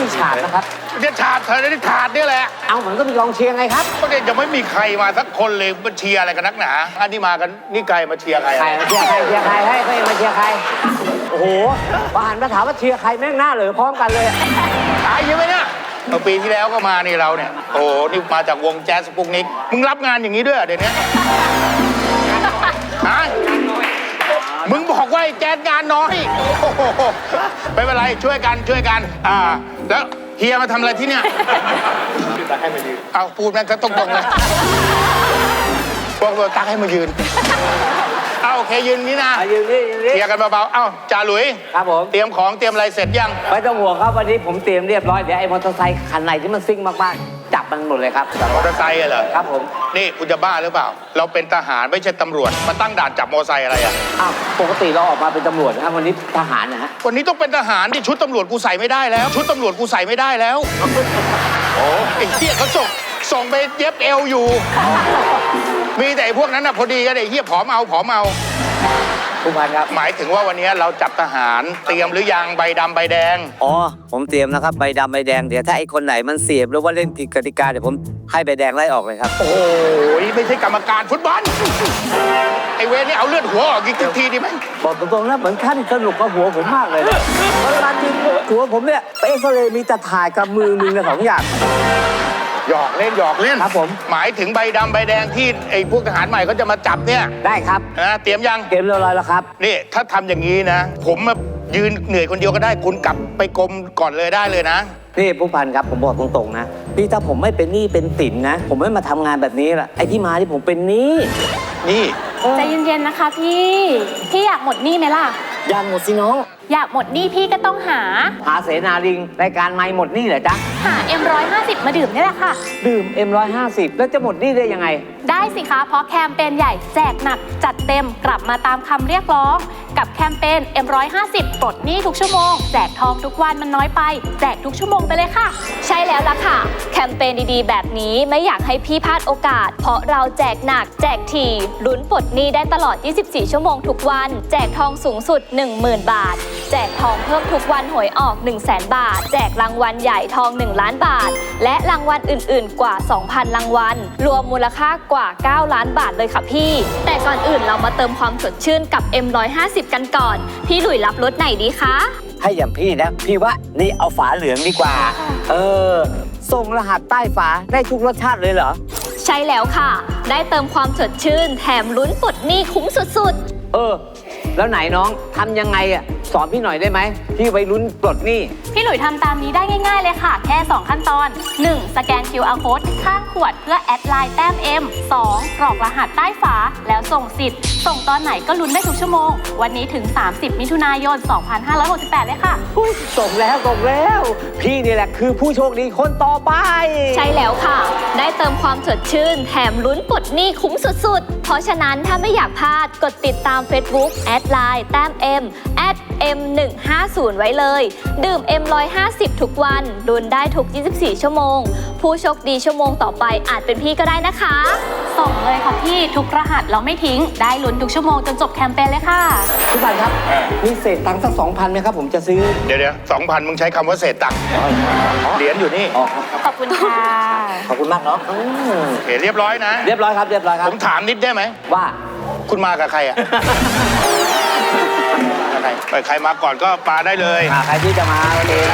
ฉาดนะครับเนี่ยฉาดเธอได้ถาดนี่แหละเอาเหมือนก็มีกองเชียร์ไงครับก็เนี่ยยังไม่มีใครมาสักคนเลยมาเชียร์อะไรกันนักหนาอันนี้มากันนี่ไกลมาเชียร์ใครมาเชียร์ใครให้ก็มาเชียร์ใครโอ้โหพอหันมาถามว่าเชียร์ใครแม่งหน้าเหลือพร้อมกันเลยตายยังไงเนี่ยปีที่แล้วก็มานี่เราเนี่ยโอ้นี่มาจากวงแจ๊สสปุกนิกมึงรับงานอย่างนี้ด้วยเดี๋ยวนี้ฮะมึงบอกว่าแจ๊สงานน้อยโอ้โหไม่เป็นไรช่วยกันแล้วเฮียมาทำอะไรที่เนี่ยตักให้มายืนเอาพูดนั่นก็ตรงๆเลยบอกว่าตักให้มายืนเอาโอเคยืนนี่นะยืนนี่เฮียกันเบาๆเอ้าจ่าหลุยครับผมเตรียมของเตรียมอะไรเสร็จยังไม่ต้องห่วงครับวันนี้ผมเตรียมเรียบร้อยเดี๋ยวไอ้มอเตอร์ไซค์คันไหนที่มันซิ่งมากๆจับมันหมดเลยครับมอเตอร์ไซค์เหรอครับผมนี่คุณจะบ้าหรือเปล่าเราเป็นทหารไม่ใช่ตำรวจมาตั้งด่านจับมอเตอร์ไซค์อะไรอ่ะอ้าวปกติเราออกมาเป็นตำรวจนะครับวันนี้ทหารนะฮะวันนี้ต้องเป็นทหารที่ชุดตำรวจกูใส่ไม่ได้แล้วชุดตำรวจกูใส่ไม่ได้แล้วโอ้ไอ้เหี้ยเขาส่งไปเย็บเอวอยู่มีแต่พวกนั้นน่ะพอดีกันไอ้เหี้ยผอมเอาผู้พันครับหมายถึงว่าวันนี้เราจับทหารเตรียมหรือยังใบดำใบแดงอ๋อผมเตรียมนะครับใบดำใบแดงเดี๋ยวถ้าไอ้คนไหนมันเสียบหรือว่าเล่นผิดกติกาเดี๋ยวผมให้ใบแดงไล่ออกเลยครับโอ้ยไม่ใช่กรรมการฟุตบอลไอ้เวรนี่เอาเลือดหัวออกอีกทีดีไหมบอกตรงๆนะเหมือนท่านสนุกกับหัวผมมากเลยเวลาจริงหัวผมเนี่ยไปเอ็กซเรย์มีแต่ถ่ายกับมือมึงสองอย่างหยอกเล่นครับผมหมายถึงใบดำใบแดงที่ไอ้พวกทหารใหม่เขาจะมาจับเนี่ยได้ครับนะเตรียมยังเตรียมเรียบร้อยแล้วครับนี่ถ้าทำอย่างนี้นะผมมายืนเหนื่อยคนเดียวก็ได้คุณกลับไปกรมก่อนเลยได้เลยนะพี่ผู้พันครับผมบอกตรงๆนะพี่ถ้าผมไม่เป็นหนี้เป็นสินนะผมไม่มาทำงานแบบนี้ละไอ้ที่มาที่ผมเป็นหนี้ใจเย็นๆนะคะพี่อยากหมดหนี้ไหมล่ะอยากหมดสิน้องอยากหมดหนี้พี่ก็ต้องหาเสนาลิงรายการไม่หมดหนี้เหรอจ๊ะหา M150 มาดื่มนี่แหละค่ะดื่ม M150 แล้วจะหมดหนี้ได้ยังไงได้สิคะเพราะแคมเปญใหญ่แจกหนักจัดเต็มกลับมาตามคำเรียกร้องกับแคมเปญ M150 ปลดหนี้ทุกชั่วโมงแจกทองทุกวันมันน้อยไปแจกทุกชั่วโมงไปเลยค่ะใช่แล้วล่ะค่ะแคมเปญดีๆแบบนี้ไม่อยากให้พี่พลาดโอกาสเพราะเราแจกหนักแจกถี่ลุ้นปลดหนี้ได้ตลอด24ชั่วโมงทุกวันแจกทองสูงสุด 10,000 บาทแจกทองเพิ่มทุกวันหวยออก 100,000 บาทแจกรางวัลใหญ่ทอง1ล้านบาทและรางวัลอื่นๆกว่า 2,000 รางวัลรวมมูลค่ากว่า9ล้านบาทเลยค่ะพี่แต่ก่อนอื่นเรามาเติมความสดชื่นกับ M150 กันก่อนพี่หลุยรับรสไหนดีคะให้อย่างพี่นะพี่ว่านี่เอาฝาเหลืองดีกว่าส่งรหัสใต้ฝาได้ทุกรสชาติเลยเหรอใช่แล้วค่ะได้เติมความสดชื่นแถมลุ้นปลดหนี้คุ้มสุดๆแล้วไหนน้องทำยังไงอ่ะสอนพี่หน่อยได้ไหมพี่ไว้ลุ้นปลดหนี้พี่หลุยทำตามนี้ได้ง่ายๆเลยค่ะแค่2ขั้นตอน 1. สแกน QR Code ข้างขวดเพื่อแอดไลน์แต้ม M 2. กรอกรหัสใต้ฝาแล้วส่งสิทธิ์ส่งตอนไหนก็ลุ้นได้ทุกชั่วโมงวันนี้ถึง30มิถุนายน2568เลยค่ะส่งแล้วพี่นี่แหละคือผู้โชคดีคนต่อไปใช่แล้วค่ะได้เติมความสดชื่นแถมลุ้นปลดหนี้คุ้มสุดๆเพราะฉะนั้นถ้าไม่อยากพลาดกดติดตาม Facebook แอดไลน์แต้ม M @M150 ไว้เลยดื่ม M150 ทุกวันลุ้นได้ทุก24ชั่วโมงผู้โชคดีชั่วโมงต่อไปอาจเป็นพี่ก็ได้นะคะส่งเลยค่ะพี่ทุกรหัสเราไม่ทิ้งได้ลุ้นทุกชั่วโมงจนจบแคมเปญเลยค่ะพี่บันครับมีเศษตังค์สัก 2,000 ไหมครับผมจะซื้อเดี๋ยว 2,000 มึงใช้คำว่าเศษตังค์เหรียญอยู่นี่ขอบคุณค่ะขอบคุณมากเนาะเรียบร้อยนะเรียบร้อยครับผมถามนิดได้ไหมว่าคุณมากับใครอ่ะใครมาก่อนก็ปาได้เลยใครที่จะมาวันนี้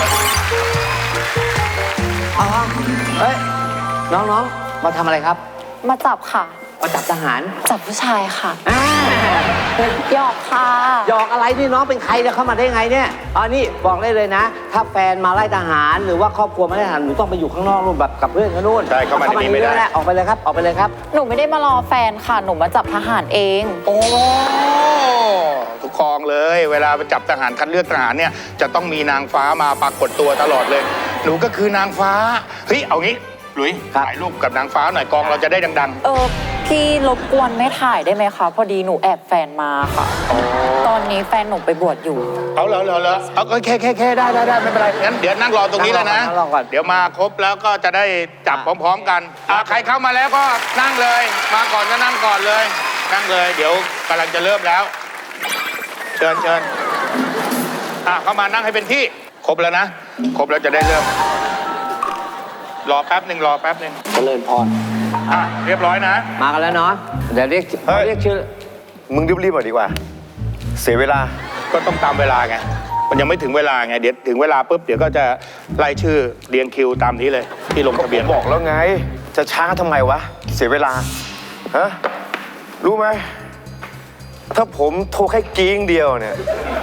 เฮ้ยน้องมาทำอะไรครับมาจับค่ะมาจับทหารจับผู้ชายค่ะหยอกค่ะหยอกอะไรนี่น้องเป็นใครจะเข้ามาได้ไงเนี่ยนี่บอกได้เลยนะถ้าแฟนมาไล่ทหารหรือว่าครอบครัวมาไล่ทหารหนูต้องไปอยู่ข้างนอกนู่นแบบกับเพื่อนกันนู่นใช่เข้ามาในนี้ไม่ได้ออกไปเลยครับหนูไม่ได้มารอแฟนค่ะหนูมาจับทหารเองโอ้ทุกกองเลยเวลาไปจับทหารคัดเลือกทหารเนี่ยจะต้องมีนางฟ้ามาปรากฏตัวตลอดเลยหนูก็คือนางฟ้าเฮ้ยเอางี้หลุยถ่ายรูปกับนางฟ้าหน่อยกองเราจะได้ดังๆพี่รบกวนไม่ถ่ายได้ไหมคะพอดีหนูแอบแฟนมาค่ะตอนนี้แฟนหนูไปบวชอยู่เอาเหรอเอาแค่ได้ไม่เป็นไรงั้นเดี๋ยวนั่งรอตรงนี้แล้วนะเดี๋ยวมาครบแล้วก็จะได้จับพร้อมๆกันใครเข้ามาแล้วก็นั่งเลยมาก่อนก็นั่งก่อนเลยนั่งเลยเดี๋ยวกำลังจะเริ่มแล้วเชิญเข้ามานั่งให้เป็นที่ครบแล้วนะครบแล้วจะได้เริ่ม รอแป๊บหนึ่งเจริญพรอ่ะ เรียบร้อยนะมากันแล้วเนาะเดี๋ยวเรียกชื่อมึงรีบๆหน่อยดีกว่า เสียเวลาก็ต้องตามเวลาไง มันยังไม่ถึงเวลาไง เดี๋ยวถึงเวลาปุ๊บ เดี๋ยวก็จะไล่ชื่อเรียงคิวตามนี้เลย ที่ลงทะเบียนบอกแล้วไง จะช้าทำไมวะ เสียเวลา ฮะ รู้ไหม ถ้าผมโทรแค่กิ้งเดียวเนี่ย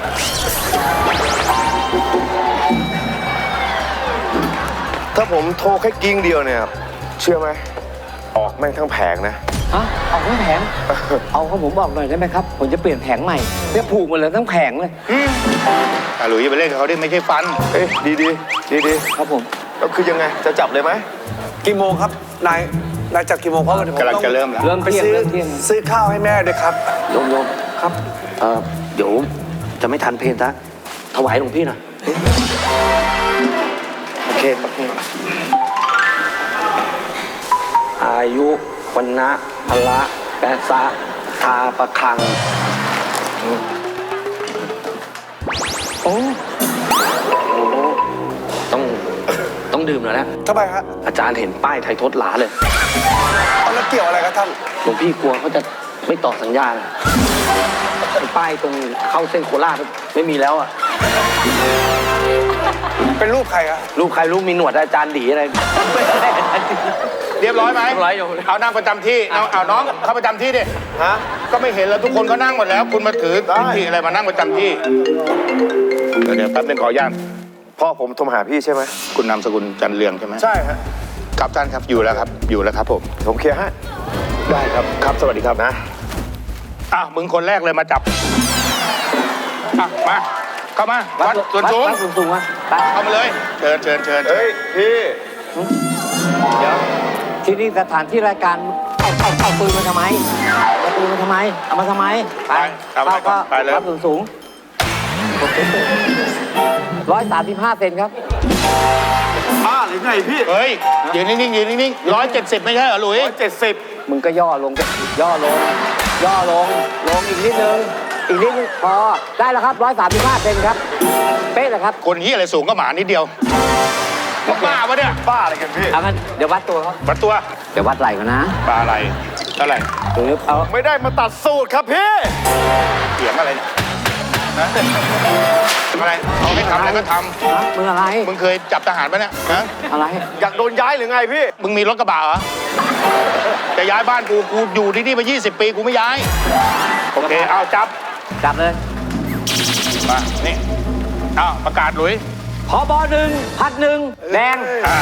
ถ้าผมโทรแค่กิ้งเดียวเนี่ย เชื่อไหม ออกแม่งทั้งแผงนะฮะเอาทั้งแผง เอาของผมบอกหน่อยได้ไหมครับ ผมจะเปลี่ยนแผงใหม่เนี่ยผูกหมดเลยทั้งแผงเลยหลุยอย่าไปเล่นกับเขาดิไม่ใช่ฟันเอ้ยดีครับผมแล้วคือยังไง จะจับเลยไหมกี่โมงครับ นายจับกี่โมงเพราะว่าเดี๋ยวผมกำลังต้องจะเริ่มแล้วเริ่มไปเที่ยงซื้อเริ่มเที่ยงซื้อข้าวให้แม่ด้วยครับโยมครับเดี๋ยวจะไม่ทันเพลงซะถวายหลวงพี่หน่อยโอเคอายุวันนะพละแปะสะทาประคังโอ้โอ้ต้องดื่มหน่อยแล้วทำไมฮะอาจารย์เห็นป้ายไทยทศหลาเลยเอาแล้วเกี่ยวอะไรกับท่านหลวงพี่กลัวเขาจะไม่ต่อสัญญาเลยป้ายตรงเข้าเส้นโคราชไม่มีแล้วอ่ะเป็นรูปใครอะรูปใครรูปมีหนวดอาจารย์ดีอะไรเรียบร้อยไหมเรียบร้อยอยู่เอานั่งประจำที่เอาน้องเข้าประจำที่ดิฮะก็ไม่เห็นแล้วทุกคนก็นั่งหมดแล้ว คุณมาถือได้พิธีอะไรมานั่งประจำที่ เดี๋ยวแป๊บนึงขออนุญาตพ่อผมโทรมาหาพี่ใช่ไหมคุณนามสกุลจันเรืองใช่ไหมใช่ฮะครับท่านครับอยู่แล้วครับผมผมเคลียร์ให้ได้ครับครับสวัสดีครับนะอ้าวมึงคนแรกเลยมาจับอ่ะมาเข้ามาวัดส่วนสูงวัดส่วนสูงวะไปเข้ามาเลยเชิญเฮ้ย พี่เดี๋ยวที่นี่สถานที่รายการเอาปืนมาทำไมเอาปืนมาทำไมเอามาทำไมไปเอาไปก่อนไปเลยวัดส่วนสูง135 เซนครับบ้าหรือไงพี่เฮ้ยยืนนิ่ง170ไม่ใช่เหรอหลุย 170 มึงก็ย่อลงลงอีกนิดนึงพอได้แล้วครับ135 เซนครับเป๊ะเลยครับคนที่อะไรสูงก็หมานิดเดียวบ้าปะเนี่ยบ้าอะไรกันพี่เอางั้นเดี๋ยววัดตัวเขาวัดตัวเดี๋ยววัดไหล่ก่อนนะปลาอะไรเท่าไหร่เอาไม่ได้มาตัดสูตรครับพี่เสียงอะไรเนี่ยนะอะไรเขาให้ทำอะไรก็ทมึงอะไรำมึงเคยจับทหารปะเนี่ยนะอะไรอยากโดนย้ายหรือไงพี่มึงมีรถกระบะเหรอจะย้ายบ้านกูอยู่ที่นี่มา20 ปีกูไม่ย้ายโอเคเอาจับจับเลยมานี่เอาประกาศหลุยผบ1 พัด1แดง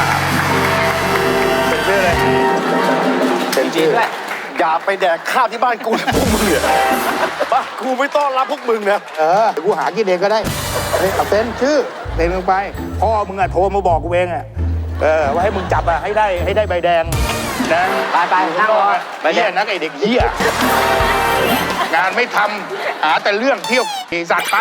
เป็นชื่อเลยเป็นชื่อด้วยอย่าไปแดกข้าวที่บ้านกูนะพวกมึงเนี่ยบ้านกูไม่ต้อนรับพวกมึงนะเดี๋ยวกูหากินเองก็ได้เอาเซ็นชื่อเซ็นลงไปพ่อมึงอะโทรมาบอกกูเองอะว่าให้มึงจับอะให้ได้ใบแดงนะไปนั่งรอไปเหี้ยนักไอเด็กเหี้ยงานไม่ทำหาแต่เรื่องเที่ยวขี่สัตว์ไป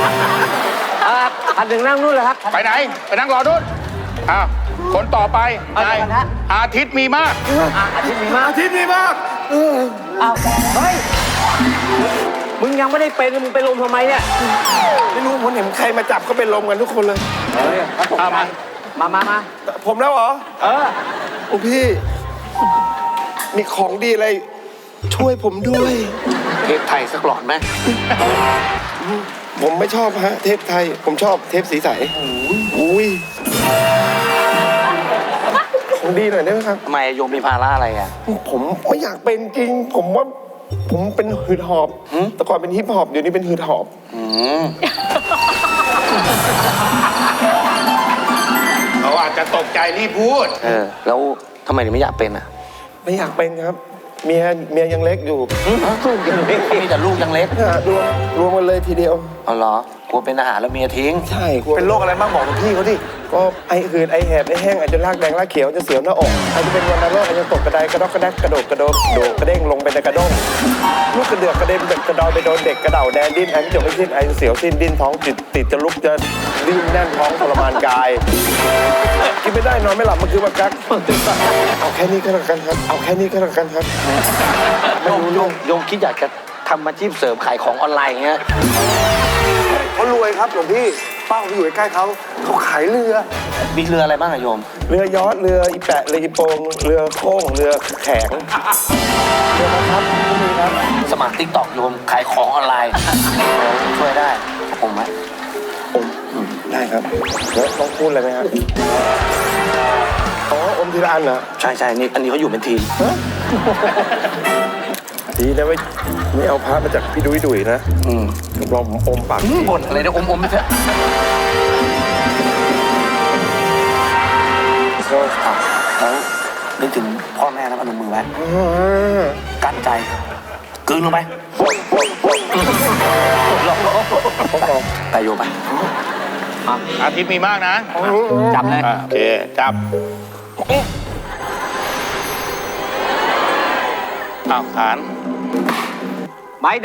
พัด1นั่งนู่นเลยครับไปไหน ไปนั่งรอนู่นอ้าวคนต่อไปเอานายเดี๋ยวก่อนนะอาทิตย์มีมากอาทิตย์มีมากที่นี่มากเอาเฮ้ยมึงยังไม่ได้เป็นมึงไปลมทำไมเนี่ยไม่รู้ผมเห็นใครมาจับก็เป็นลมกันทุกคนเลยเอามามาผมแล้วเหรอเออโอ้พี่ มีของดีอะไร ช่วยผมด้วยเทปไทยสักหลอดไหมผมไม่ชอบฮะ เทปไทย ผมชอบเทปสีใสอุ้ยของดีหน่อยได้ไหมครับทำไมโยมมีภาระอะไรอ่ะผมไม่อยากเป็นจริง ผมว่าผมเป็นหืดหอบ แต่ก่อนเป็นฮิปฮอปเดี๋ยวนี้เป็นหืดหอบเขาอาจจะตกใจรีบพูดแล้วทำไมถึงไม่อยากเป็นอ่ะไม่อยากเป็นครับ เมียยังเล็กอยู่มีแต่ลูกยังเล็กรวมกันเลยทีเดียวเอาเหรอกลัวเป็นอาหารแล้วเมียทิ้งใช่เป็นโรคอะไรบ้างบอกกับพี่เขาดิ ก็ไอหืดไอแหบไอแห้งอาจจะรากแดงรากเขียวจะเสียวหน้าอกอาจจะเป็นวัณโรคอาจจะตกกระไดกระดอกกระแดกกระโดดโดดกระเด้งลงไปในกระด้งลูกกระเดือกกระเด็นกระดอยไปโดนเด็กกระเด่าแดนดิ้นแอนจบไม่สิ้นไอเสียวสิ้นดิ้นท้องติดจะลุกจะดิ้นแน่นท้องทรมานกายกินไม่ได้นอนไม่หลับมันคือบักกักเอาแค่นี้ก็แล้วกันครับเอาแค่นี้ก็แล้วกันครับไม่รู้เรื่องโยมคิดอยากจะทำอาชีพเสริมขายของออนไลน์อย่างเงี้ยเขารวยครับหลวงพี่เป้าไปอยู่ใกล้ๆเขาขายเรือมีเรืออะไรบ้างอะโยมเรือยอชต์เรืออีแปะเรืออีโปงเรือโค้งเรือแข็งเรือนะครับก็มีครับสมัครติ๊กตอกโยม ขายของออนไลน์ ช่วยได้ผมไหมได้ครับแล้วต้องพูดอะไรไหมครับอ๋ออมทีละอันเหรอใช่นี่อันนี้เขาอยู่เป็นทีมดีนะไม่เอาพระมาจากพี่ดุยนะลองผมอมปากบ่นอะไรเนี่ยอมไม่ใช่ แล้วนึกถึงพ่อแม่แล้วพนมมือไว้กั้นใจกลืนลงไปไปโยมไปอาทิตย์มีมากนะจับเลยโอเค จับอ้าวขานไม้ด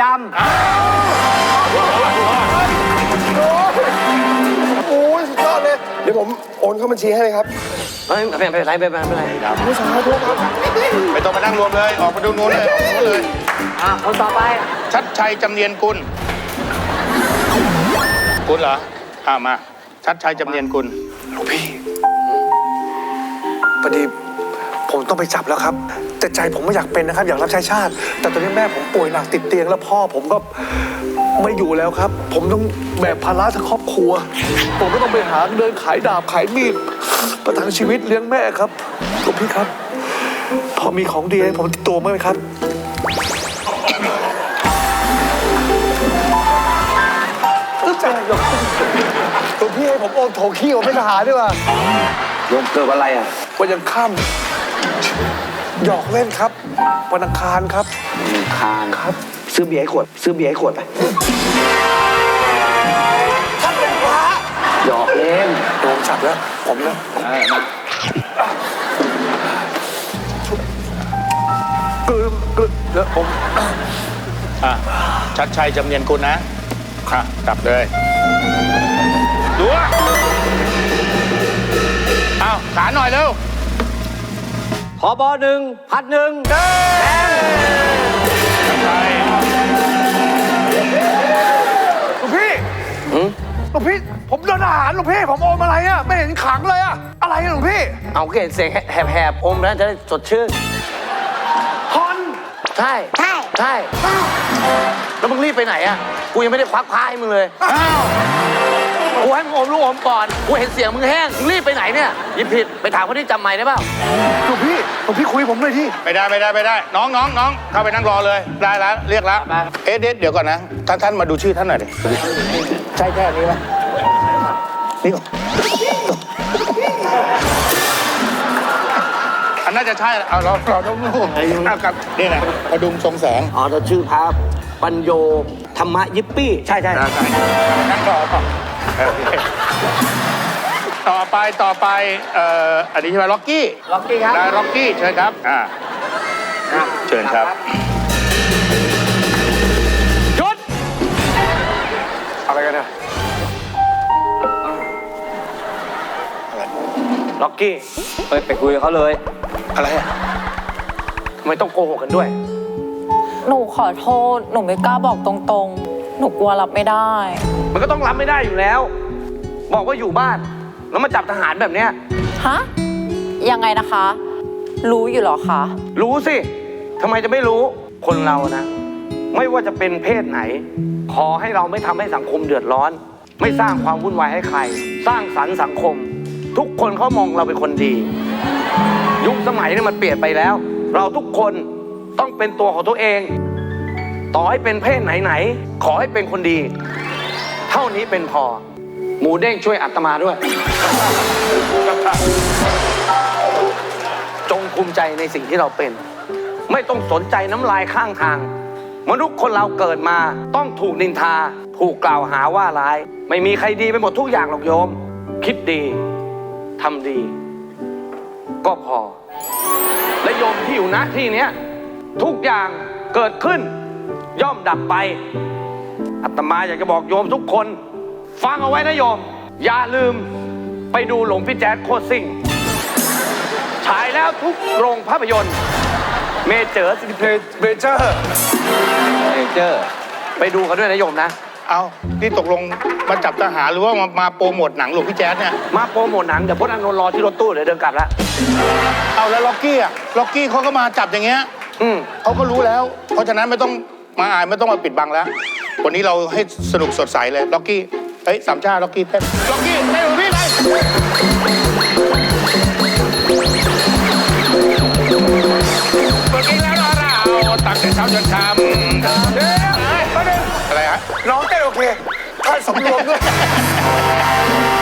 โอ้ยสุดยอดเลยเดี๋ยวผมโอนเข้าบัญชีให้เลยครับไม่เป็นไรไม่เป็นไรผู้ชายด้วยครับไม่ต้องมานั่งรวมเลย ออกมาดูนู้นเลยออกมาดูเลยำคนต่อไปชัดชัยจำเนียนกุลกุลเหรอมา ชัดชัยจำเนียนกุลหลวงพี่พอดีผมต้องไปจับแล้วครับ แต่ใจผมไม่อยากเป็นนะครับ อยากรับใช้ชาติ แต่ตอนนี้แม่ผมป่วยหนักติดเตียงแล้วพ่อผมก็ไม่อยู่แล้วครับ ผมต้องแบกภาระทั้งครอบครัว ผมก็ต้องไปหาเดินขายดาบขายมีดประทังชีวิตเลี้ยงแม่ครับหลวงพี่ครับ พอมีของดีให้ผมติดตัวไหมครับ ใจหลวงพี่ให้ผมโอนโถขี้ผมเป็นทหารด้วยว่ะโยมเกิดวันอะไรอ่ะวันยังค่ำหยอกเล่นครับวันอังคารครับคานครับซื้อเบียร์ให้ขวดไปท่านเป็นพระหยอกเล่นโดนจับแล้วผมนะแล้วผมชัดชัยจำเนียนกุลนะจับเลยดูอ้าวขานหน่อยเร็วผบ1 พัด1 ชัดชัยหลวงพี่หลวงพี่ผมโดนทหารหลวงพี่ผมอมอะไรอ่ะไม่เห็นขังเลยอ่ะอะไรอะหลวงพี่เอาเกศเสียงแหบๆอมแล้วจะได้สดชื่นฮอนใช่แล้วมึงรีบไปไหนอ่ะกูยังไม่ได้ควักผ้าให้มึงเลยกูให้มึงอมลูกอมก่อนกูเห็นเสียงมึงแห้งมึงรีบไปไหนเนี่ยหยิบผิดไปถามคนที่จำไม่ได้เปล่าหลวงพี่คุยกับผมหน่อยที่ไม่ได้น้องเข้าไปนั่งรอเลยได้แล้วเรียกแล้วเดี๋ยวก่อนนะท่านมาดูชื่อท่านหน่อยดิใช่แค่นี้ไหมนี่ก่อนอันน่าจะใช่เอาเราต้องดูเอากับนี่นะพดุงทรงแสงอ๋อเราชื่อพระปัญโยธรรมยิปปี้ใช่นั่งรอก่อนต่อไปอันนี้ใช่ไหมล็อกกี้ครับได้ล็อกกี้เชิญครับเชิญครับหยุดอะไรกันเนี่ยล็อกกี้ไปคุยกับเขาเลยอะไรอ่ะทำไมต้องโกหกกันด้วยหนูขอโทษ หนูไม่กล้าบอกตรงๆ หนูกลัวรับไม่ได้มันก็ต้องรับไม่ได้อยู่แล้ว บอกว่าอยู่บ้านแล้วมาจับทหารแบบเนี้ยฮะ ยังไงนะคะ รู้อยู่เหรอคะรู้สิทำไมจะไม่รู้คนเรานะ ไม่ว่าจะเป็นเพศไหน ขอให้เราไม่ทำให้สังคมเดือดร้อน ไม่สร้างความวุ่นวายให้ใคร สร้างสรรค์สังคม ทุกคนเขามองเราเป็นคนดี ยุคสมัยนี่มันเปลี่ยนไปแล้ว เราทุกคนต้องเป็นตัวของตัวเอง ต่อให้เป็นเพศไหนๆขอให้เป็นคนดี เท่านี้เป็นพอ หมูเด้งช่วยอาตมาด้วย จงภูมิใจในสิ่งที่เราเป็น ไม่ต้องสนใจน้ำลายข้างทาง มนุษย์คนเราเกิดมาต้องถูกนินทา ถูกกล่าวหาว่าร้าย ไม่มีใครดีไปหมดทุกอย่างหรอกโยม คิดดีทำดี ก็พอ และโยมที่อยู่ณที่เนี้ยทุกอย่างเกิดขึ้น ย่อมดับไปอาตมาอยากจะบอกโยมทุกคน ฟังเอาไว้นะโยม อย่าลืมไปดูหลวงพี่แจ๊ดโคตรซิ่งฉายแล้วทุกโรงภาพยนตร์เมเจอร์เมเจอร์ไปดูกันด้วยนะโยมนะเอานี่ตกลงมาจับทหารหรือว่ามาโปรโมทหนังหลวงพี่แจ๊ดเนี่ยมาโปรโมทหนังเดี๋ยวพจน์อานนท์รอที่รถตู้เดี๋ยวเดินกลับแล้วเอาแล้วล็อกกี้อะล็อกกี้เขาก็มาจับอย่างเงี้ย เขาก็รู้แล้ว เพราะฉะนั้นไม่ต้องมาอายไม่ต้องมาปิดบังแล้ว วันนี้เราให้สนุกสดใสเลยล็อกกี้เฮ้ยสามชาล็อกกี้เต้นล็อกกี้เต้นหรือพี่ไปเมื่อกี้แล้วเราตั้งแต่เช้าจนค่ำอะไรฮะน้องเต้นโอเคท่านสำรวมด้วย